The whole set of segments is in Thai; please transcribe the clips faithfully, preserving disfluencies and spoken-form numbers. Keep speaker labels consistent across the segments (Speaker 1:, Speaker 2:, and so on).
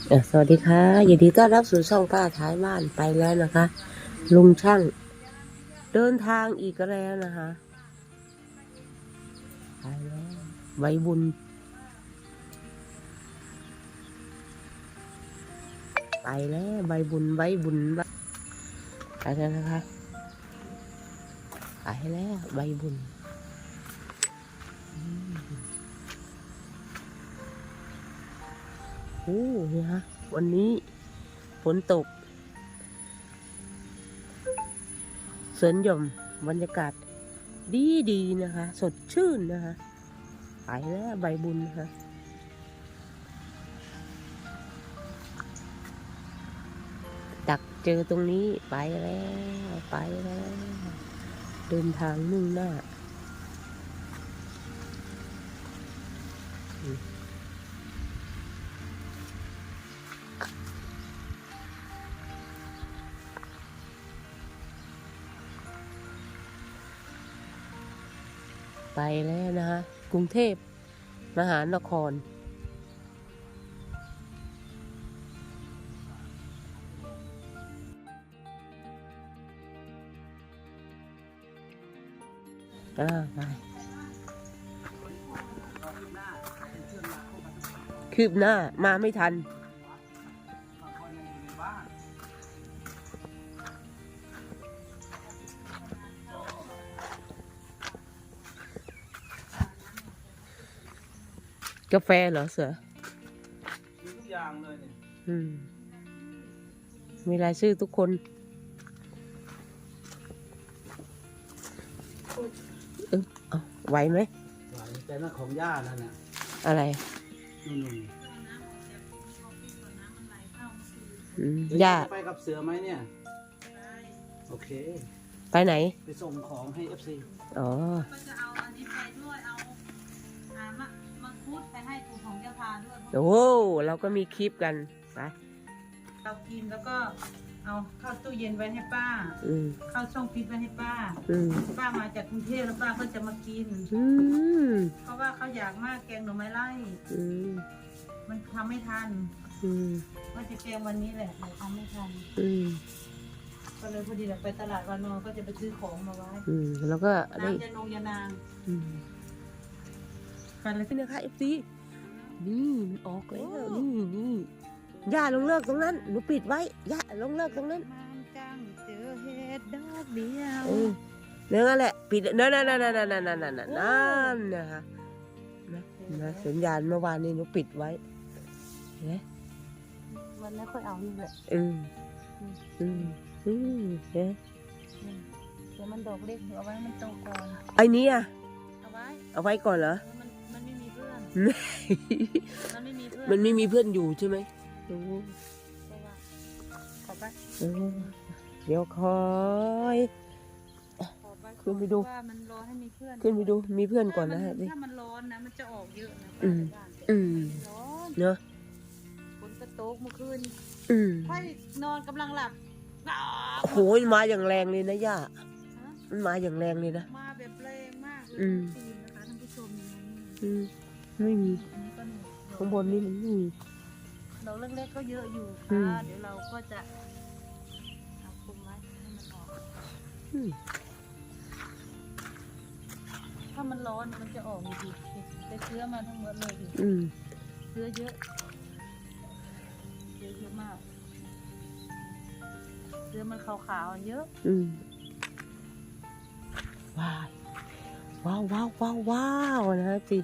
Speaker 1: อ่ะสวัสดีค่ะยินดีต้อนรับสู่ช่องป้าท้ายบ้านไปแล้วนะคะลุงช่างเดินทางอีกแล้วนะคะไปแล้วใบบุญไปแล้วใบบุญใบบุญไปแล้วนะคะไปแล้วใบบุญโอ้นี่ฮะวันนี้ฝนตกสวนหย่อมบรรยากาศดีดีนะคะสดชื่นนะคะไปแล้วใบบุญนะคะดักเจอตรงนี้ไปแล้วไปแล้วเดินทางมุ่งหน้าไปแล้วนะคะกรุงเทพมหานครอ่าไปคืบหน้ามาไม่ทันกาแฟเหรอเสือ
Speaker 2: มีทุกอย่างเลยเนี่ย
Speaker 1: อืมมีรายชื่อทุกคนเออเอาไหวไหม
Speaker 2: ไหวแต่นั่นของย่านั่นน่ะ
Speaker 1: อะไร
Speaker 2: นู่น
Speaker 1: อืม
Speaker 2: ๆย่า
Speaker 1: ย่า
Speaker 2: จะไปกับเสือไหมเนี่ยโอเค
Speaker 1: ไปไหน
Speaker 2: ไปส่งของให้เอฟซี
Speaker 1: อ๋อ
Speaker 3: ก็จะเอาอันนี้ไปด้วยเอาอ่ามะมังคุดไปให้ปู่ของเจ้าพาด้วย
Speaker 1: โอ้เราก็มีคลิปกันไป
Speaker 3: เรากินแล้วก็เอาเข้าตู้เย็นไว้ให้ป้า
Speaker 1: อืม
Speaker 3: เข้าช่องฟิตไว้ให้ป้า
Speaker 1: อืม
Speaker 3: ป้ามาจากกรุงเทพแล้วป้าก็จะมากิน
Speaker 1: อืม
Speaker 3: เพราะว่าเขาอยากมากแกงหน่อไม้ไล่
Speaker 1: อืม
Speaker 3: มันทำไม่ทัน
Speaker 1: อืม
Speaker 3: ว่าจะแกงวันนี้แหละแต่ทำไม่ทัน
Speaker 1: อืม
Speaker 3: ก็เลยพอดีเราไปตลาดวานอนก็จะไปซื้อของมาไว้
Speaker 1: อืมแล้วก็ได้
Speaker 3: น้ำยานงยานาง
Speaker 1: อืมฟันอะไรขึ้นนะคะเอฟซีนี่มันออกแล้วนี่นี่ย่าลงเลิกตรงนั้นหนูปิดไว้ย่าลงเลิกตรงนั้น
Speaker 3: มันจังเจอเห็ดดอกเดียว
Speaker 1: เออเนื้อแหละปิดนั่นนั่นนั่นนั่นนั่นนั่นนั่นนั่นนั่นนะคะนะนะสัญญาณเมื่อวานนี้หนูปิดไว้เห็นไหม
Speaker 3: วันนี้ค่อยเอานี่แหละ
Speaker 1: อืมอืมอืมเห็น
Speaker 3: เดี๋ยวมันดอกเล็กเอาไว้มันโตก่อน
Speaker 1: ไอ้นี้อ่ะ
Speaker 3: เอาไว้
Speaker 1: เอาไว้ก่อนเหรอ
Speaker 3: มันมันไม่มีเพื่อนมันไม่มีเพื่อน
Speaker 1: มันไม่มีเพื่อนอยู่ใช่ไหมโอ้
Speaker 3: ขอไป
Speaker 1: เดี๋ยวคอยขึ้นไปดู
Speaker 3: ว่ามันร้อนให้มีเพื่อน
Speaker 1: ขึ้นไปดูมีเพื่อนก่อนนะฮะ
Speaker 3: ถ้ามันร้อนนะมันจะออกเยอะนะ
Speaker 1: อืมอืม
Speaker 3: ร้อน
Speaker 1: เนอะ
Speaker 3: ฝนกระโตกเมื่อคืน
Speaker 1: อืม
Speaker 3: ค่อยนอนกำลังหลับ
Speaker 1: โหยมาอย่างแรงเลยนะย่ามันมาอย่างแรงเลยนะ
Speaker 3: มาแบบแรงมากเลยคืนนะคะท่านผู้ชม
Speaker 1: อืมไม่มีข้างบนนี่มันไม่มี
Speaker 3: ดอกเล็กๆก็เยอะอยู่ค่ะเดี๋ยวเราก็จะเอาคุมไว้ให้มันออกถ้ามันร้อนมันจะออกอยู่ดีแต่เชื้อมาทั้งหมดเลยดิเชื้อเยอะเชื้อเยอะมากเชื้อมันขาวๆเยอะ
Speaker 1: ว้าวว้าวว้าวว้าวว้าวนะจี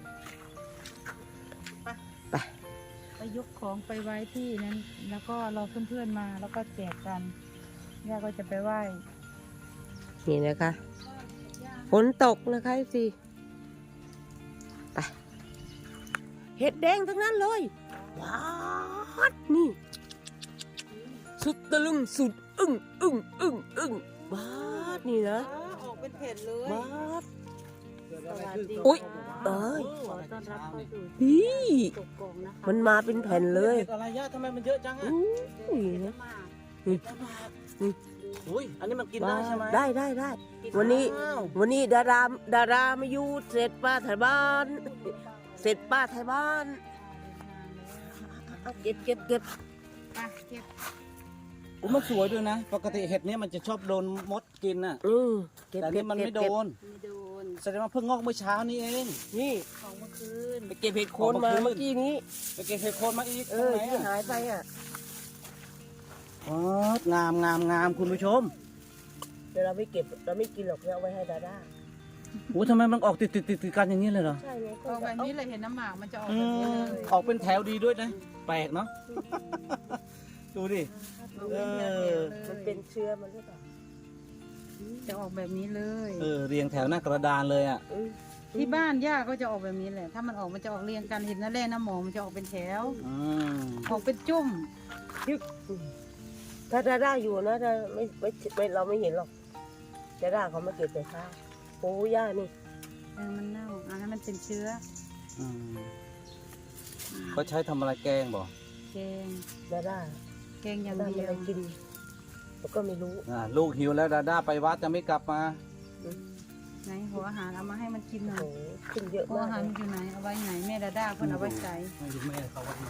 Speaker 3: ไปไปยกของไปไว้ที่นั้นแล้วก็รอเพื่อนๆมาแล้วก็แจกกันย่าก็จะไปไหว้
Speaker 1: นี่นะคะฝนตกนะคะจีไปเห็ดแดงทั้งนั้นเลยว้าวนี่สุดตะลึงสุดอึ้งอึ้งอึ้งอึ้งว้าวนี่นะ
Speaker 3: ออกเป็นเผ็ดเลย
Speaker 1: ว้าว
Speaker 3: สวัสดี
Speaker 1: อุ้ยเอ้ย
Speaker 3: ขอต้อนรับเข้าสู่
Speaker 1: นี่มันมาเป็นแผ่นเลย
Speaker 2: อะไรย่าทำไมมันเยอะจังอ่ะ
Speaker 1: อุ้ยนี่
Speaker 2: นี่อุ้ยอันนี้มันกินได้ใช่ไหม
Speaker 1: ได้ได้ได้วันนี้วันนี้ดาราดารามาอยู่เสร็จป้าไทยบ้านเสร็จป้าไทยบ้านเอาเก็บเก็บเก็บ
Speaker 3: ไปเก็บ
Speaker 2: อุ๊ยมันสวยด้วยนะ ปกติเห็ดเนี้ยมันจะชอบโดนมดกินน่ะ
Speaker 1: อืมเก็บ
Speaker 2: แต่
Speaker 1: เก็
Speaker 2: นี่
Speaker 1: บ
Speaker 2: มัน
Speaker 1: เก็บ
Speaker 2: ไม่โด
Speaker 1: เก็บ
Speaker 2: น
Speaker 3: ไม่โดน
Speaker 2: แสดงว่าเพิ่งงอกเมื่อเช้านี้เอง
Speaker 1: นี่
Speaker 3: ของเมื่อคืน
Speaker 1: ไปเก็บเห็ดโคนมาเมื่อกี้นี้
Speaker 2: ไปเก็บเห็ดโคนมาอีก
Speaker 1: เอ
Speaker 2: ตรง
Speaker 1: อ
Speaker 2: ไหน
Speaker 1: ที่
Speaker 2: อ่ะ
Speaker 1: หายไปอ่ะ
Speaker 2: อ๋องามงามงามคุณผู้ชม
Speaker 1: เดี๋ยวเราไม่เก็บเราไม่กินหรอกเราเอาไว้ให้ดาด้า
Speaker 2: โอ้ทำไมมันออกติดติดติดติดกันอย่างนี้เลยเหรอ
Speaker 1: ใช่ไง
Speaker 3: ออกแบบนี้เลยเห็นน้ำหมากมันจะออก
Speaker 2: อื
Speaker 3: แบบนี้
Speaker 2: ม
Speaker 3: เลย
Speaker 2: ออกเป็นแถวดีด้วยนะ แปลกเนาะ ดูดิ
Speaker 3: ออกเป็นแถวๆเลย
Speaker 1: มันเป็นเชื้อมันหรือเปล่า
Speaker 3: จะออกแบบนี้เลย
Speaker 2: เออ เรียงแถวหน้ากระดานเลยอ่ะ
Speaker 1: อืม
Speaker 3: ที่บ้านย่าก็จะออกแบบนี้แหละ ถ้ามันออกมันจะออกเรียงกันเห็นน้ำแร่น้ำหมองมันจะออกเป็นแถว
Speaker 2: อืม
Speaker 3: ออกเป็นจุ่ม
Speaker 1: ถ้าดาด้าอยู่นะถ้าไม่ไม่ไม่เราไม่เห็นหรอกดาด้าเขามาเก็บแต่เช้าโอ้ย่านี่
Speaker 3: เออมันเน่าอันนั้นมันเป็นเชื้อ
Speaker 2: อืมเขาใช้ทำอะไรแกงบ่
Speaker 3: แกง
Speaker 1: ดาด้า
Speaker 3: แกงอย่าง
Speaker 1: ดาด้า
Speaker 3: เดี
Speaker 1: ไม่
Speaker 3: ยว
Speaker 1: ได้กินเราก็ไม่รู้
Speaker 2: อ่าลูกหิวแล้วดาด้าไปวัดจะไม่กลับมา
Speaker 3: ไหนหัวอาหารเอามาให้มันกินหน่อ
Speaker 1: โอ้
Speaker 3: ย
Speaker 1: โหขึ้นเยอะ
Speaker 3: หัว
Speaker 1: มาก
Speaker 3: อาหาร
Speaker 1: เล
Speaker 3: มัน
Speaker 1: ย
Speaker 3: อยู่ไหนเอาไว้ไหนแม่ดาด้าเพิ่นเอาไว้ใส่
Speaker 2: ไม่รู้แม่เขาวัดไหน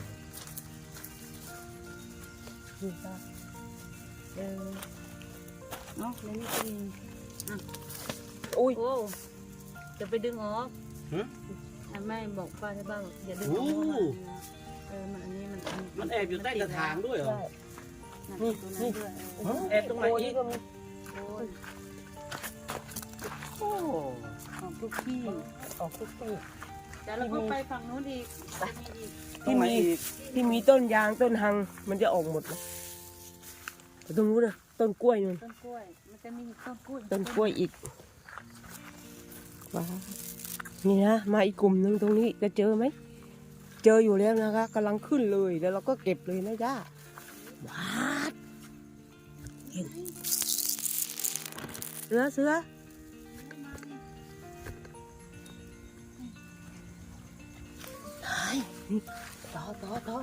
Speaker 1: นี่ป้า
Speaker 3: เออเนาะแล้วนี่กิน
Speaker 1: อุ้ย
Speaker 3: โอ้จะไปดึงออก
Speaker 2: หึ
Speaker 3: อ่ะแม่บอกป้าใช่บ้างอย่าดึงออก
Speaker 2: โอ้
Speaker 3: เพราะว่าเออมันอันนี้มัน
Speaker 2: มันแอบอยู่ใต้กระถางด้วยเหรอ
Speaker 1: ใช่
Speaker 3: นี่นี่ด้วยเออ
Speaker 2: แอบตรงไหนอีก
Speaker 1: โก็มี
Speaker 3: โอ้ย
Speaker 2: โอ้
Speaker 3: ออกทุกที่
Speaker 1: ออกทุกปี
Speaker 3: เดี๋ยวเราก็ไปฝั่งนู้นอีกจะมีอีก
Speaker 2: ตรงไหนอีก
Speaker 1: ที่มีต้นยางต้นหังมันจะออกหมดเลยแต่ตรงนู้นนะต้นกล้วยนู่น
Speaker 3: ต้นกล้วย มันจะมีต้นกล้วย
Speaker 1: ต้นกล้วยอีกว้าวนี่นะมาอีกกลุ่มหนึ่งตรงนี้จะเจอไหมเจออยู่แล้วนะคะกำลังขึ้นเลยแล้วเราก็เก็บเลยนะย่าว้าวเห็นเสือเสือไหนนี่ต่อต่อต่อ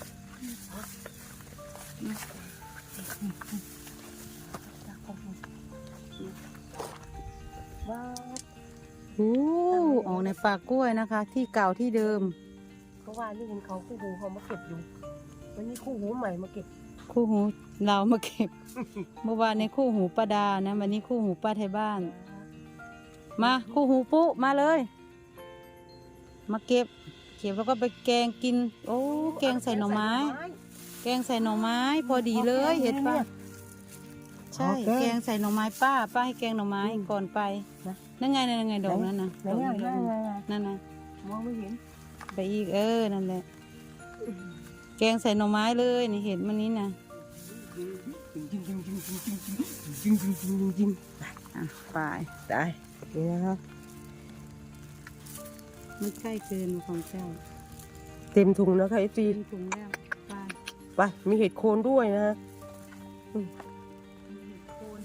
Speaker 1: ว้าว
Speaker 3: โอ้ออกในป่ากล้วยนะคะ ที่เก่าที่เดิม
Speaker 1: เพราะว่านี่เห็นเขาคู่หูเขามาเก็บอยู่วันนี้คู่หูใหม่มาเก็บ
Speaker 3: คู่หูเรามาเก็บ เมื่อวานในคู่หูป้าดานะวันนี้คู่หูป้าไทยบ้าน มาคู่หูปุ๊มาเลย มาเก็บ เก็บแล้วก็ไปแกงกิน โอ้แกงใส่หน่อไม้ แกงใส่หน่อไม้ พอดีเลยเห็นปะใช่แกงใส่หน่อไม้ป้าป้าให้แกงหน่อไม้ก่อนไปนั่นไงนั่นไงดอกนั่นนะ
Speaker 1: ไหน
Speaker 3: ดอก
Speaker 1: อ่ะ
Speaker 3: เหลื
Speaker 1: นั่
Speaker 3: อนง
Speaker 1: ไงอ่ะ
Speaker 3: นั่นนะ
Speaker 1: มองไม่เห็น
Speaker 3: ไปอีกเออนั่นแหละแกงใส่หน่อไม้เลยนี่เห็นมันนี้นะ
Speaker 1: จริงจริงจริงจริงจริงจริงจริงจริงจริงจริง
Speaker 3: อ่ะไป
Speaker 1: ตายนี่นะครับ
Speaker 3: ไม่ใช่เกินของเจ้า
Speaker 1: เต็มถุงนะคะไอซี
Speaker 3: เต็มถุงแล้วไป
Speaker 1: ไปมีเห็ดโคนด้วยนะฮะ
Speaker 3: มีเห็ดโคน
Speaker 1: ไป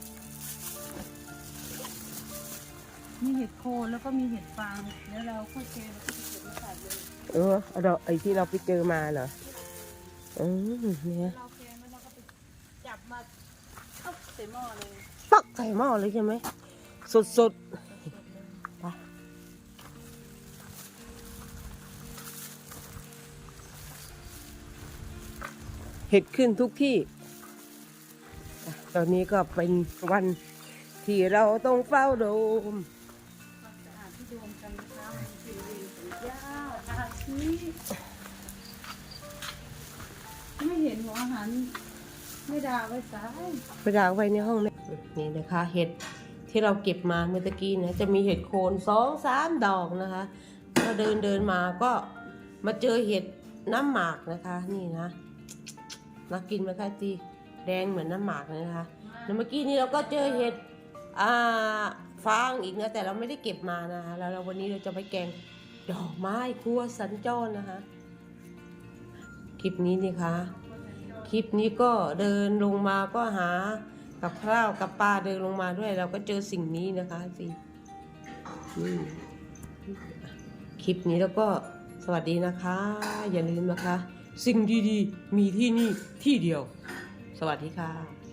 Speaker 3: มีเห็ดโคนแล้วก็มีเห็ดฟางแล้วเราค่อยเจอแล้วก็จะเก็บมาใส่เลย
Speaker 1: เออเอาดอกไอ้ที่เราไปเจอมาเหรออืมเนี่ย
Speaker 3: เราแกงแล้วเราก็ไปจับมาเอาใส่หม้อเลย
Speaker 1: ปักใส่หม้อเลยใช่ไหมสดสดๆไปเห็ดขึ้นทุกที่อ่ะตอนนี้ก็เป็นวันที่เราต้องเฝ้าดูม
Speaker 3: ความสะอาดที่รวมกันนะคะมันคือเรียนสัญญาอาชีไม่เห็นหัวอาหารไม่ด่าไว้สาย
Speaker 1: ไปดางไว้ในห้องนะนี่นะคะ เห็ดที่เราเก็บมาเมื่อตะกี้นะจะมีเห็ดโคนสองสามดอกนะคะถ้าเดินเดินมาก็มาเจอเห็ดน้ำหมากนะคะ นี่นะน่ากินไหมคะจีแดงเหมือนน้ำหมากเลยนะคะแล้วเมื่อกี้นี้เราก็เจอเห็ดอ่าฟางอีกนะแต่เราไม่ได้เก็บมานะคะแล้วเราวันนี้เราจะไปแกงดอกไม้ครัวสัญจรนะคะคลิปนี้นี่คะคลิปนี้ก็เดินลงมาก็หากับข้าวกับปลาเดินลงมาด้วย เราก็เจอสิ่งนี้นะคะสิอืมคลิปนี้แล้วก็สวัสดีนะคะ อย่าลืมนะคะ สิ่งดีๆมีที่นี่ที่เดียว สวัสดีค่ะ